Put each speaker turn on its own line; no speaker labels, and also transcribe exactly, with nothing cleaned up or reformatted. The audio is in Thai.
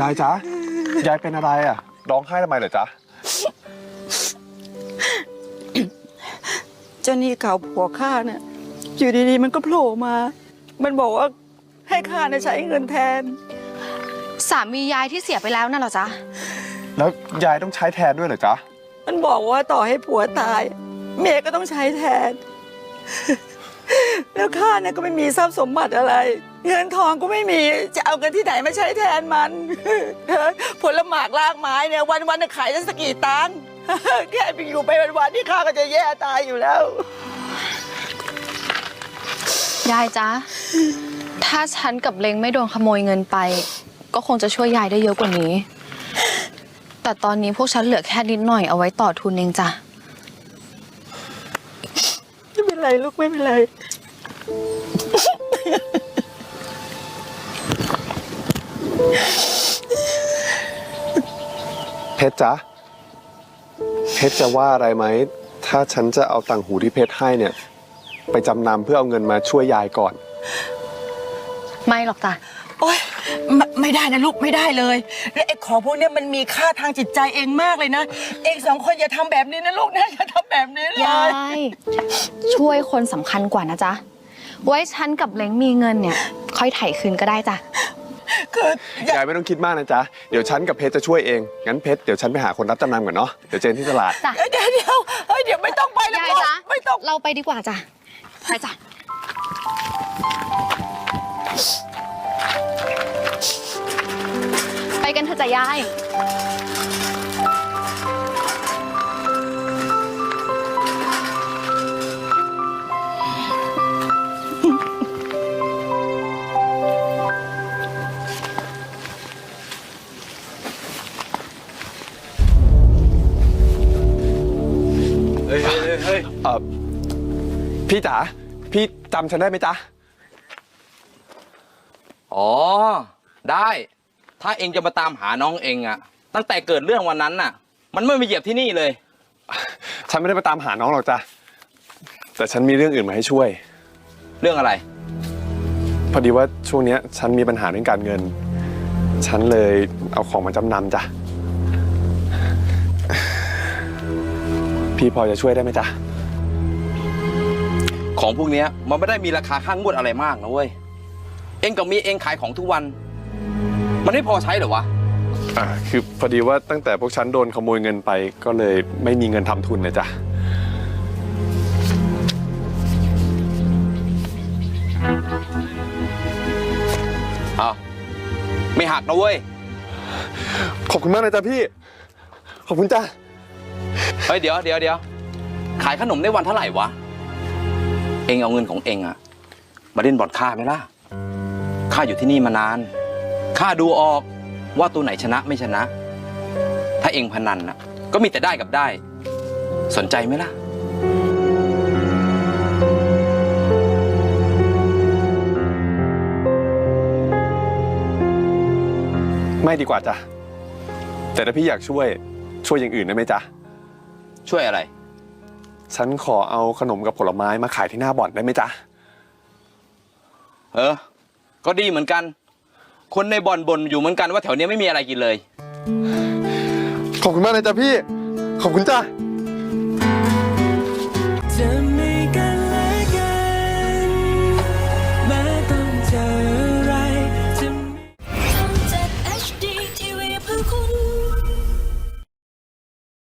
ายจ๊ะยายเป็นอะไรอ่ะร้องไห้ทำไมเหรอจ๊ะ
เจ้านี่เก่าผัวข้าเนี่ยอยู่ดีๆมันก็โผล่มามันบอกว่าให้ข้าเนี่ยใช้เงินแทน
สามียายที่เสียไปแล้วน่ะเหรอจ๊ะ
แล้วยายต้องใช้แทนด้วยเหรอจ๊ะ
มันบอกว่าต่อให้ผัวตายเมียก็ต้องใช้แทนแล้วข้าเนี่ยก็ไม่มีทรัพย์สมบัติอะไรเงินทองก็ไม่มีจะเอาเงินที่ไหนมาใช้แทนมันผลหมากลากไม้เนี่ยวันๆจะขายได้สักกี่ตังค์แค่ไปอยู่ไปวันๆที่ข้าก็จะแย่ตายอยู่แล้ว
ยายจ๊ะถ้าฉันกับเล้งไม่โดนขโมยเงินไปก็คงจะช่วยยายได้เยอะกว่านี้แต่ตอนนี้พวกฉันเหลือแค่นิดหน่อยเอาไว้ต่อทุนเองจ้ะ
ไม่เป็นไรลูกไม่เป็นไร
เพชรจ๊ะเพชรจะว่าอะไรไหมถ้าฉันจะเอาต่างหูที่เพชรให้เนี่ยไปจำนำเพื่อเอาเงินมาช่วยยายก่อน
ไม่หรอกจ้ะ
โอ๊ยไม่ไม่ได้นะลูกไม่ได้เลยและไอ้ของพวกนี้มันมีค่าทางจิตใจเองมากเลยนะเองสองคนอย่าทำแบบนี้นะลูกนะอย่าทำแบบนี้เลย
ยายช่วยคนสำคัญกว่านะจ๊ะไว้ฉันกับเล้งมีเงินเนี่ยค่อยไถ่คืนก็ได้จ้ะ
คือย
ายไม่ต้องคิดมากนะจ๊ะเดี๋ยวฉันกับเพชรจะช่วยเองงั้นเพชรเดี๋ยวฉันไปหาคนรับจำนำก่อนเนาะเดี๋ยวเจอที่ตลาด
จ้ะ
เดี๋ยวเดี๋ยวเฮ้ยเดี๋ยวไม่ต้องไปแล้ว
ยายจ๊ะ
ไม่ต้อง
เราไปดีกว่าจ้ะไปจ้ะไปกันเถอะจ้ะยาย
เฮ้ยเฮ้ยเฮ้ยเออพี่จ๋าพี่จำฉันได้ไหมจ๊ะ
อ๋อได้ถ้าเองจะมาตามหาน้องเองอะตั้งแต่เกิดเรื่องวันนั้นน่ะมันไม่มาเหยียบที่นี่เลย
ฉันไม่ได้มาตามหาน้องหรอกจ้ะแต่ฉันมีเรื่องอื่นมาให้ช่วย
เรื่องอะไร
พอดีว่าช่วงนี้ฉันมีปัญหาเรื่องการเงินฉันเลยเอาของมาจำนำจ้ะพี่พอจะช่วยได้ไหมจ๊ะ
ของพวกนี้มันไม่ได้มีราคาข้างงวดอะไรมากนะเว้ยเองกับมีเองขายของทุกวันมันไม่พอใช้เหรอวะ
อ่าคือพอดีว่าตั้งแต่พวกฉันโดนขโมยเงินไปก็เลยไม่มีเงินทำทุนนะจ๊ะ
อ้าวไม่หักนะเว้ย
ขอบคุณมากนะจ๊ะพี่ขอบคุณจ้ะ
เฮ้ยเดี๋ยวเดี๋ยวเดี๋ยวขายขนมได้วันเท่าไหร่วะเองเอาเงินของเองอะมาเล่นบอลค่าไหมล่ะข้าอยู่ที่นี่มานานข้าดูออกว่าตัวไหนชนะไม่ชนะถ้าเองพนันน่ะก็มีแต่ได้กับได้สนใจไหมล่ะ
ไม่ดีกว่าจ้ะแต่ถ้าพี่อยากช่วยช่วยอย่างอื่นได้ไหมจ๊ะ
ช่วยอะไร
ฉันขอเอาขนมกับผลไม้มาขายที่หน้าบ่อนได้ไหมจ๊ะ
เออก็ดีเหมือนกันคนในบ่อนบ่นอยู่เหมือนกันว่าแถวนี้ไม่มีอะไรกินเลย
ขอบคุณมากเลยจ้ะพี่ขอบคุณจ้ะ